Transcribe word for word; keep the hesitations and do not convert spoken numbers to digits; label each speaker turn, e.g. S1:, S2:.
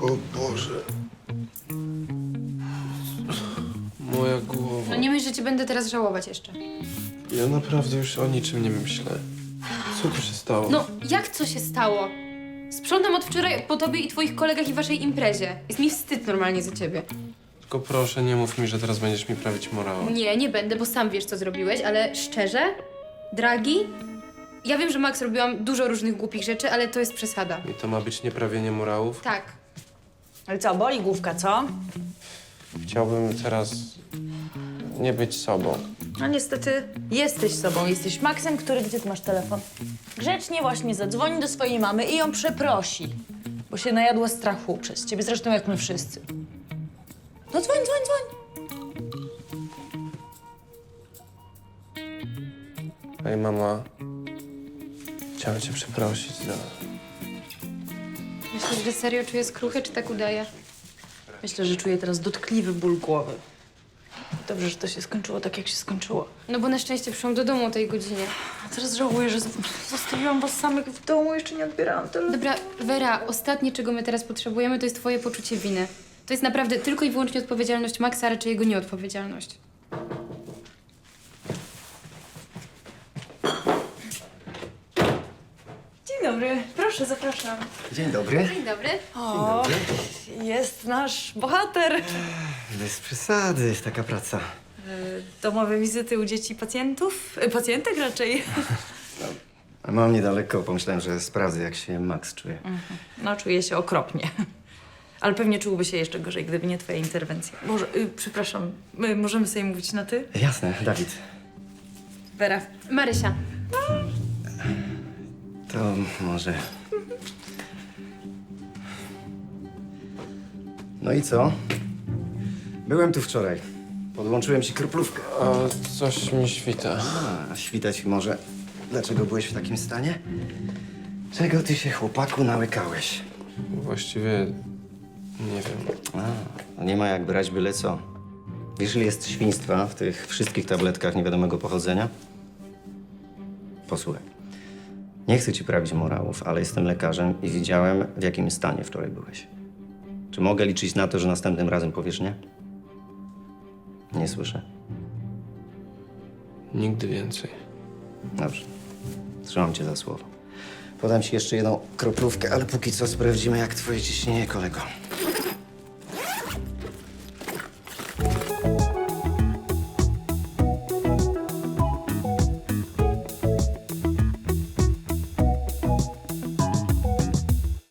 S1: O Boże. Moja głowa.
S2: No nie myśl, że cię będę teraz żałować jeszcze.
S1: Ja naprawdę już o niczym nie myślę. Co tu się stało?
S2: No, jak co się stało? Sprzątam od wczoraj po tobie i twoich kolegach i waszej imprezie. Jest mi wstyd normalnie za ciebie.
S1: Tylko proszę, nie mów mi, że teraz będziesz mi prawić morała.
S2: Nie, nie będę, bo sam wiesz, co zrobiłeś, ale szczerze, dragi, ja wiem, że Max robiłam dużo różnych głupich rzeczy, ale to jest przesada.
S1: I to ma być nieprawienie morałów?
S2: Tak.
S3: Ale co, boli główka, co?
S1: Chciałbym teraz nie być sobą.
S3: No niestety jesteś sobą, jesteś Maxem, który... Gdzie ty masz telefon? Grzecznie właśnie zadzwoni do swojej mamy i ją przeprosi, bo się najadła strachu przez ciebie, zresztą jak my wszyscy. No dzwoń, dzwoń, dzwoń.
S1: Ej, mama. Chciałem cię przeprosić za...
S2: Myślisz, że serio czuję skruchę, czy tak udaję?
S3: Myślę, że czuję teraz dotkliwy ból głowy. Dobrze, że to się skończyło tak, jak się skończyło.
S2: No bo na szczęście przyszłam do domu o tej godzinie.
S3: A teraz żałuję, że z- zostawiłam was samych w domu, jeszcze nie odbierałam telefonu.
S2: Dobra, Wera, ostatnie, czego my teraz potrzebujemy, to jest twoje poczucie winy. To jest naprawdę tylko i wyłącznie odpowiedzialność Maxa, a raczej jego nieodpowiedzialność.
S3: Dzień dobry, proszę, zapraszam.
S4: Dzień dobry.
S2: Dzień dobry.
S3: O, jest nasz bohater.
S4: Bez przesady, taka praca.
S3: Domowe wizyty u dzieci pacjentów, e, pacjentek raczej.
S4: A mam niedaleko, pomyślałem, że sprawdzę, jak się Max czuje.
S3: No, czuję się okropnie. Ale pewnie czułby się jeszcze gorzej, gdyby nie twoja interwencja. Boże, y, przepraszam, my możemy sobie mówić na ty?
S4: Jasne, Dawid.
S3: Wera.
S2: Marysia.
S4: To może... No i co? Byłem tu wczoraj. Podłączyłem ci kroplówkę.
S1: A coś mi świta.
S4: A, świtać może. Dlaczego byłeś w takim stanie? Czego ty się, chłopaku, nałykałeś?
S1: Właściwie nie wiem.
S4: A, no nie ma jak brać byle co. Wiesz, ile jest świństwa w tych wszystkich tabletkach niewiadomego pochodzenia? Posłuchaj. Nie chcę ci prawić morałów, ale jestem lekarzem i widziałem, w jakim stanie wczoraj byłeś. Czy mogę liczyć na to, że następnym razem powiesz nie? Nie słyszę.
S1: Nigdy więcej.
S4: Dobrze. Trzymam cię za słowo. Podam ci jeszcze jedną kroplówkę, ale póki co sprawdzimy, jak twoje ciśnienie, kolego.